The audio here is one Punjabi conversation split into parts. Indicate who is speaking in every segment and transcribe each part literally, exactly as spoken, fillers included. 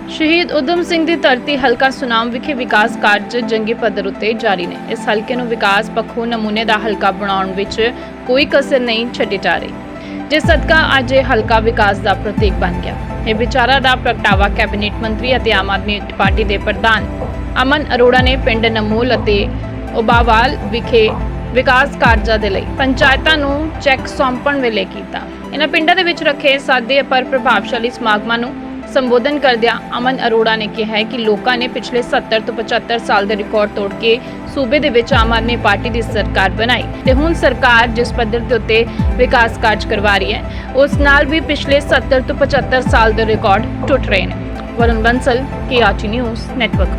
Speaker 1: शहीद उधम सिंह ਦੀ ਧਰਤੀ ਹਲਕਾ ਸੁਨਾਮ ਵਿਖੇ ਵਿਕਾਸ ਕਾਰਜ ਜੰਗੀ ਪੱਧਰ ਉੱਤੇ ਜਾਰੀ ਨੇ। ਇਸ ਹਲਕੇ ਨੂੰ ਵਿਕਾਸ ਪੱਖੋਂ ਨਮੂਨੇ ਦਾ ਹਲਕਾ ਬਣਾਉਣ ਵਿੱਚ ਕੋਈ ਕਸਰ ਨਹੀਂ ਛੱਡੀ ਜਾ ਰਹੀ, ਜਿਸ ਸਦਕਾ ਅੱਜ ਇਹ ਹਲਕਾ ਵਿਕਾਸ ਦਾ ਪ੍ਰਤੀਕ ਬਣ ਗਿਆ। ਇਹ ਵਿਚਾਰਾ ਦਾ ਪ੍ਰਗਟਾਵਾ ਕੈਬਨਿਟ ਮੰਤਰੀ ਅਤੇ ਆਮ ਆਦਮੀ ਪਾਰਟੀ ਦੇ ਪ੍ਰਧਾਨ ਅਮਨ ਅਰੋੜਾ ਨੇ ਪਿੰਡ ਨਮੂਲ ਅਤੇ ਉਬਾਵਾਲ ਵਿਖੇ ਵਿਕਾਸ ਕਾਰਜਾਂ ਦੇ ਲਈ ਪੰਚਾਇਤਾਂ ਨੂੰ ਚੈੱਕ ਸੌਂਪਣ ਵੇਲੇ ਕੀਤਾ। ਇਹਨਾਂ ਪਿੰਡਾਂ ਦੇ ਵਿੱਚ ਰੱਖੇ ਸਾਦੇ ਪਰ ਪ੍ਰਭਾਵਸ਼ਾਲੀ ਸਮਾਗਮਾਂ ਨੂੰ ਸੰਬੋਧਨ ਕਰਦਿਆਂ ਅਮਨ ਅਰੋੜਾ ਨੇ ਕਿਹਾ ਹੈ ਕਿ ਲੋਕਾਂ ਨੇ ਪਿਛਲੇ ਸੱਤਰ ਤੋਂ ਪਚੱਤਰ ਸਾਲ ਦੇ ਰਿਕਾਰਡ ਤੋੜ ਕੇ ਸੂਬੇ ਦੇ ਵਿੱਚ ਆਮ ਆਦਮੀ ਪਾਰਟੀ ਦੀ ਸਰਕਾਰ ਬਣਾਈ ਤੇ ਹੁਣ ਸਰਕਾਰ ਜਿਸ ਪੱਧਰ ਦੇ ਉੱਤੇ ਵਿਕਾਸ ਕਾਰਜ ਕਰਵਾ ਰਹੀ ਹੈ ਉਸ ਨਾਲ ਵੀ ਪਿਛਲੇ ਸੱਤਰ ਤੋਂ ਪਚੱਤਰ ਸਾਲ ਦੇ ਰਿਕਾਰਡ ਟੁੱਟ ਰਹੇ ਨੇ। Varun Bansal, K R T news network.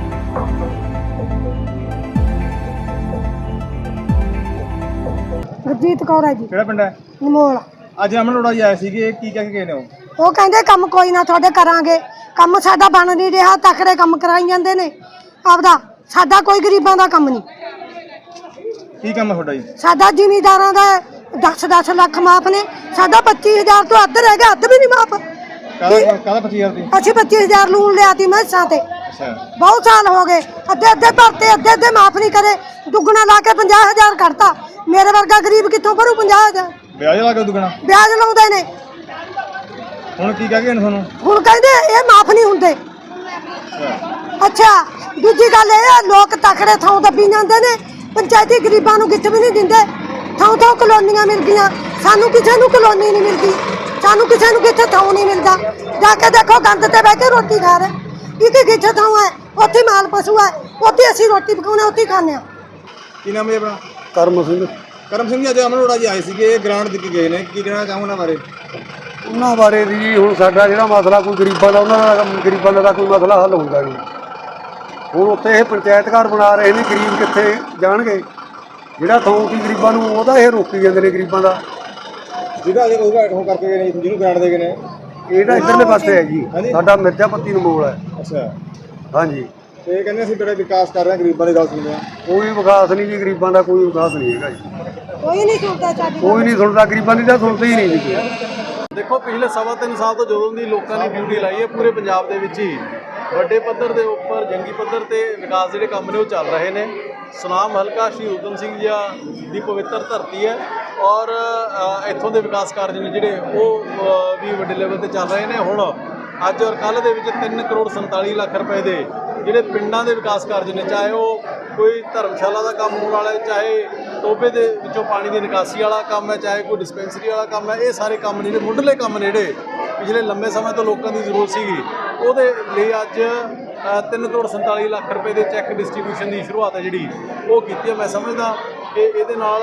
Speaker 2: Gurjeet Kaur ਹੈ ਜੀ।
Speaker 3: ਕਿਹੜਾ ਪਿੰਡ ਹੈ?
Speaker 2: ਨਮੋਲ।
Speaker 3: ਅੱਜ ਅਮਨ ਅਰੋੜਾ ਜੀ ਆਏ ਸੀਗੇ, ਕੀ ਕਹਿ ਕੇ ਗਏ ਨੇ ਉਹ?
Speaker 2: ਉਹ ਕਹਿੰਦੇ ਕੰਮ ਕੋਈ ਨਾ ਤੁਹਾਡੇ ਕਰਾਂਗੇ, ਕੰਮ ਸਾਡਾ ਬਣ ਨਹੀਂ ਰਿਹਾ, ਤਕੜੇ ਕੰਮ ਕਰਾਈ ਜਾਂਦੇ ਨੇ ਆਪਦਾ, ਸਾਡਾ ਕੋਈ ਗਰੀਬਾਂ ਦਾ ਕੰਮ ਨਹੀਂ।
Speaker 3: ਕੀ ਕੰਮ ਹੈ ਤੁਹਾਡਾ ਜੀ?
Speaker 2: ਸਾਡਾ ਜ਼ਿਮੀਂਦਾਰਾਂ ਦਾ ਦਸ ਦਸ ਲੱਖ ਮਾਫ ਨੇ, ਸਾਡਾ ਪੱਚੀ ਹਜ਼ਾਰ ਤੋਂ ਅੱਧ ਰਹਿ ਗਿਆ, ਅੱਧ ਵੀ ਨਹੀਂ ਮਾਫ।
Speaker 3: ਕਾਹਦਾ ਕਾਹਦਾ ਪੱਚੀ ਹਜ਼ਾਰ ਦੀ?
Speaker 2: ਅਸੀਂ ਪੱਚੀ ਹਜ਼ਾਰ ਲੂਣ ਲਿਆ ਤੀ ਮੈਸਾਂ ਤੇ,
Speaker 3: ਅੱਛਾ
Speaker 2: ਬਹੁਤ ਸਾਲ ਹੋ ਗਏ, ਅੱਧੇ ਅੱਧੇ ਭਰਤੇ, ਅੱਧੇ ਅੱਧੇ ਮਾਫ ਨਹੀਂ ਕਰੇ, ਦੁੱਗਣਾ ਲਾ ਕੇ ਪੰਜਾਹ ਹਜ਼ਾਰ ਕੱਢਤਾ। ਮੇਰੇ ਵਰਗਾ ਗਰੀਬ ਕਿੱਥੋਂ ਭਰੂ ਪੰਜਾਹ ਹਜ਼ਾਰ?
Speaker 3: ਵਿਆਜ ਲਾ ਕੇ ਦੁਗਣਾ
Speaker 2: ਵਿਆਜ ਲਾਉਂਦੇ ਨੇ।
Speaker 3: ਹੁਣ ਕੀ ਕਹਿ ਕੇ ਗਏ ਨੇ ਤੁਹਾਨੂੰ?
Speaker 2: ਹੁਣ ਕਹਿੰਦੇ ਇਹ ਮਾਫ ਨਹੀਂ ਹੁੰਦੇ।
Speaker 3: ਅੱਛਾ
Speaker 2: ਅੱਛਾ, ਦੂਜੀ ਗੱਲ ਇਹ ਆ, ਲੋਕ ਤਕੜੇ ਥਾਂ ਦੱਬੀ ਜਾਂਦੇ ਨੇ, ਪੰਚਾਇਤੀ ਗਰੀਬਾਂ ਨੂੰ ਗਿੱਟ ਵੀ ਨਹੀਂ ਦਿੰਦੇ। ਥਾਂ ਥਾਂ ਕਲੋਨੀਆਂ ਮਿਲ ਗਈਆਂ, ਸਾਨੂੰ ਕਿਸੇ ਨੂੰ ਕਲੋਨੀ ਨਹੀਂ ਮਿਲਦੀ, ਸਾਨੂੰ ਕਿਸੇ ਨੂੰ ਕਿੱਥੇ ਥਾਂ ਨਹੀਂ ਮਿਲਦਾ। ਜਾ ਕੇ ਦੇਖੋ ਗੰਦ ਤੇ ਬਹਿ ਕੇ ਰੋਟੀ ਖਾ ਰਹੇ, ਇੱਕ ਕਿੱਥੇ ਥਾਂ ਹੈ, ਉੱਥੇ ਮਾਲ ਪਸ਼ੂ ਹੈ, ਉੱਥੇ ਅਸੀਂ ਰੋਟੀ ਪਕਾਉਣੇ, ਉੱਥੇ ਖਾਂਦੇ ਹਾਂ।
Speaker 3: ਕੀ ਨਾਮ ਹੈ ਆਪਣਾ?
Speaker 4: ਕਰਮ ਸਿੰਘ।
Speaker 3: ਕਰਮ ਸਿੰਘ ਜੀ, ਅੱਜ ਅਮਨ ਅਰੋੜਾ ਜੀ ਆਏ ਸੀਗੇ, ਗ੍ਰਾਂਟ ਦੇ ਕੇ ਗਏ ਨੇ, ਕੀ ਕਹਿਣਾ ਚਾਹੋ ਉਹਨਾਂ ਬਾਰੇ?
Speaker 4: ਉਹਨਾਂ ਬਾਰੇ ਜੀ ਹੁਣ ਸਾਡਾ ਜਿਹੜਾ ਮਸਲਾ ਕੋਈ ਗਰੀਬਾਂ ਦਾ, ਉਹਨਾਂ ਦਾ ਗਰੀਬਾਂ ਦਾ ਕੋਈ ਮਸਲਾ ਹੱਲ ਹੁੰਦਾ ਨਹੀਂ। ਹੁਣ ਉੱਥੇ ਇਹ ਪੰਚਾਇਤ ਘਰ ਬਣਾ ਰਹੇ ਨੇ, ਗਰੀਬ ਕਿੱਥੇ ਜਾਣਗੇ? ਜਿਹੜਾ ਥਾਂ ਕੀ ਗਰੀਬਾਂ ਨੂੰ, ਉਹਦਾ ਇਹ ਰੋਕੀ ਜਾਂਦੇ ਨੇ ਗਰੀਬਾਂ ਦਾ।
Speaker 3: ਜਿਹਦਾ ਅਜੇ ਉਹ ਉਹ ਕਰਕੇ ਗਏ ਨੇ, ਜਿਹਨੂੰ ਗ੍ਰਾਂਟ ਦੇ ਗਏ ਨੇ,
Speaker 4: ਇਹਦਾ ਇੱਧਰਲੇ ਪਾਸੇ ਹੈ ਜੀ, ਸਾਡਾ ਮਿਰਜ਼ਾਪੱਤੀ ਨੂੰ ਮੋਲ ਹੈ।
Speaker 3: ਅੱਛਾ
Speaker 4: ਹਾਂਜੀ,
Speaker 3: ਤੇ ਕਹਿੰਦੇ ਅਸੀਂ ਬੜਾ ਵਿਕਾਸ ਕਰ ਰਹੇ ਹਾਂ, ਗਰੀਬਾਂ ਦੀ ਗੱਲ ਸੁਣਦੇ ਹਾਂ।
Speaker 4: ਕੋਈ ਵਿਕਾਸ ਨਹੀਂ ਜੀ, ਗਰੀਬਾਂ ਦਾ ਕੋਈ ਵਿਕਾਸ ਨਹੀਂ ਹੈਗਾ ਜੀ,
Speaker 2: ਕੋਈ ਨਹੀਂ ਸੁਣਦਾ ਸਾਡੀ,
Speaker 4: ਕੋਈ ਨਹੀਂ ਸੁਣਦਾ, ਗਰੀਬਾਂ ਦੀ ਤਾਂ ਸੁਣਦੇ ਹੀ ਨਹੀਂ ਜੀ।
Speaker 5: ਦੇਖੋ, ਪਿਛਲੇ ਸਵਾ ਤਿੰਨ ਸਾਲ ਤੋਂ ਜਦੋਂ ਦੀ ਲੋਕਾਂ ਨੇ ਡਿਊਟੀ ਲਾਈ ਹੈ, ਪੂਰੇ ਪੰਜਾਬ ਦੇ ਵਿੱਚ ਹੀ ਵੱਡੇ ਪੱਧਰ ਦੇ ਉੱਪਰ ਜੰਗੀ ਪੱਧਰ ਤੇ ਵਿਕਾਸ ਜਿਹੜੇ ਕੰਮ ਨੇ ਉਹ ਚੱਲ ਰਹੇ ਨੇ। ਸੁਨਾਮ ਹਲਕਾ ਸ਼ਹੀਦ ਊਧਮ ਸਿੰਘ ਜੀ ਦੀ ਪਵਿੱਤਰ ਧਰਤੀ ਹੈ ਔਰ ਇੱਥੋਂ ਦੇ ਵਿਕਾਸ ਕਾਰਜ ਨੇ ਜਿਹੜੇ ਉਹ ਵੀ ਵੱਡੇ ਲੈਵਲ ਤੇ ਚੱਲ ਰਹੇ ਨੇ। ਹੁਣ ਅੱਜ ਔਰ ਕੱਲ੍ਹ ਦੇ ਵਿੱਚ ਤਿੰਨ ਕਰੋੜ ਸੰਤਾਲੀ ਲੱਖ ਰੁਪਏ ਦੇ ਜਿਹੜੇ ਪਿੰਡਾਂ ਦੇ ਵਿਕਾਸ ਕਾਰਜ ਨੇ, ਚਾਹੇ ਉਹ ਕੋਈ ਧਰਮਸ਼ਾਲਾ ਦਾ ਕੰਮ ਹੋਣ ਵਾਲਾ ਹੈ, ਚਾਹੇ ਟੋਭੇ ਦੇ ਵਿੱਚੋਂ ਪਾਣੀ ਦੀ ਨਿਕਾਸੀ ਵਾਲਾ ਕੰਮ ਹੈ, ਚਾਹੇ ਕੋਈ ਡਿਸਪੈਂਸਰੀ ਵਾਲਾ ਕੰਮ ਹੈ, ਇਹ ਸਾਰੇ ਕੰਮ ਨੇ ਜਿਹੜੇ ਮੁੱਢਲੇ ਕੰਮ ਨੇ ਜਿਹੜੇ ਪਿਛਲੇ ਲੰਬੇ ਸਮੇਂ ਤੋਂ ਲੋਕਾਂ ਦੀ ਜ਼ਰੂਰਤ ਸੀਗੀ, ਉਹਦੇ ਲਈ ਅੱਜ ਤਿੰਨ ਕਰੋੜ ਸੰਤਾਲੀ ਲੱਖ ਰੁਪਏ ਦੇ ਚੈੱਕ ਡਿਸਟ੍ਰੀਬਿਊਸ਼ਨ ਦੀ ਸ਼ੁਰੂਆਤ ਹੈ ਜਿਹੜੀ ਉਹ ਕੀਤੀ ਹੈ। ਮੈਂ ਸਮਝਦਾ ਕਿ ਇਹਦੇ ਨਾਲ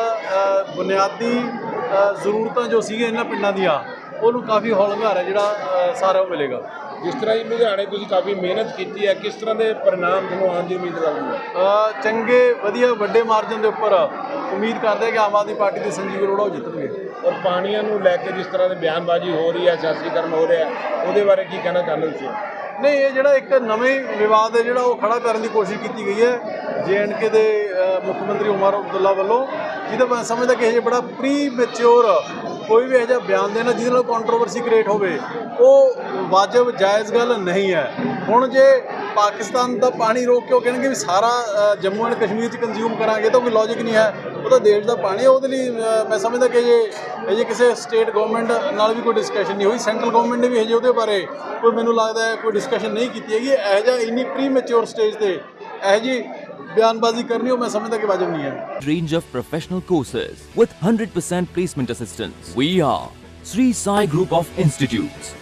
Speaker 5: ਬੁਨਿਆਦੀ ਜ਼ਰੂਰਤਾਂ ਜੋ ਸੀਗੀਆਂ ਇਹਨਾਂ ਪਿੰਡਾਂ ਦੀਆਂ, ਉਹਨੂੰ ਕਾਫੀ ਹੌਲਗਾਰ ਹੈ ਜਿਹੜਾ ਸਾਰਾ ਉਹ ਮਿਲੇਗਾ।
Speaker 6: ਜਿਸ ਤਰ੍ਹਾਂ ਜੀ ਲੁਧਿਆਣੇ ਤੁਸੀਂ ਕਾਫੀ ਮਿਹਨਤ ਕੀਤੀ ਹੈ, ਕਿਸ ਤਰ੍ਹਾਂ ਦੇ परिणाम ਤੁਹਾਨੂੰ ਆਉਣ ਦੀ ਉਮੀਦ ਲੱਗਦੀ ਹੈ?
Speaker 5: ਚੰਗੇ ਵਧੀਆ ਵੱਡੇ ਮਾਰਜਨ ਦੇ ਉੱਪਰ ਉਮੀਦ ਕਰਦੇ ਕਿ ਆਮ ਆਦਮੀ ਪਾਰਟੀ ਦੇ ਸੰਜੀਵ ਅਰੋੜਾ ਉਹ ਜਿੱਤਣਗੇ।
Speaker 6: ਔਰ ਪਾਣੀਆਂ ਨੂੰ ਲੈ ਕੇ ਜਿਸ ਤਰ੍ਹਾਂ ਦੀ ਬਿਆਨਬਾਜ਼ੀ ਹੋ ਰਹੀ ਹੈ, ਸਿਆਸੀਕਰਨ ਹੋ ਰਿਹਾ, ਉਹਦੇ ਬਾਰੇ ਕੀ ਕਹਿਣਾ ਚਾਹੁੰਦੇ ਤੁਸੀਂ?
Speaker 5: ਨਹੀਂ, ਇਹ ਜਿਹੜਾ ਇੱਕ ਨਵੇਂ ਵਿਵਾਦ ਹੈ ਜਿਹੜਾ ਉਹ ਖੜਾ ਕਰਨ ਦੀ ਕੋਸ਼ਿਸ਼ ਕੀਤੀ ਗਈ ਹੈ ਜੇ ਐਂਡ ਕੇ ਦੇ ਮੁੱਖ ਮੰਤਰੀ ਉਮਰ ਅਬਦੁੱਲਾ ਵੱਲੋਂ, ਜਿਹਦਾ ਮੈਂ ਸਮਝਦਾ ਕਿ ਇਹ ਬੜਾ ਪ੍ਰੀ ਮੈਚਿਓਰ ਕੋਈ ਵੀ ਇਹੋ ਜਿਹਾ ਬਿਆਨ ਦੇਣਾ ਜਿਹਦੇ ਨਾਲ ਕੰਟਰੋਵਰਸੀ ਕ੍ਰੀਏਟ ਹੋਵੇ, ਉਹ ਵਾਜਬ ਜਾਇਜ਼ ਗੱਲ ਨਹੀਂ ਹੈ। ਹੁਣ ਜੇ ਪਾਕਿਸਤਾਨ ਦਾ ਪਾਣੀ ਰੋਕ ਕੇ ਉਹ ਕਹਿਣਗੇ ਵੀ ਸਾਰਾ ਜੰਮੂ ਐਂਡ ਕਸ਼ਮੀਰ 'ਚ ਕੰਜ਼ਿਊਮ ਕਰਾਂਗੇ ਤਾਂ ਕੋਈ ਲੌਜਿਕ ਨਹੀਂ ਹੈ। ਉਹ ਤਾਂ ਦੇਸ਼ ਦਾ ਪਾਣੀ ਹੈ, ਉਹਦੇ ਲਈ ਮੈਂ ਸਮਝਦਾ ਕਿ ਜੇ ਇਹ ਜੇ ਕਿਸੇ ਸਟੇਟ ਗਵਰਨਮੈਂਟ ਨਾਲ ਵੀ ਕੋਈ ਡਿਸਕਸ਼ਨ ਨਹੀਂ ਹੋਈ, ਸੈਂਟਰਲ ਗਵਰਨਮੈਂਟ ਨੇ ਵੀ ਇਹ ਜੇ ਉਹਦੇ ਬਾਰੇ ਕੋਈ ਮੈਨੂੰ ਲੱਗਦਾ ਹੈ ਕੋਈ ਡਿਸਕਸ਼ਨ ਨਹੀਂ ਕੀਤੀ ਹੈਗੀ। ਇਹੋ ਜਿਹਾ ਇੰਨੀ ਪ੍ਰੀ ਮੈਚਿਓਰ ਸਟੇਜ 'ਤੇ ਇਹੋ ਜਿਹੀ ਬਿਆਨਬਾਜ਼ੀ ਕਰਨੀ ਉਹ ਮੈਂ ਸਮਝਦਾ ਕਿ ਵਾਜਬ ਨਹੀਂ ਹੈ।
Speaker 7: Range of professional courses with one hundred percent placement assistance. We are Sri Sai Group of Institutes.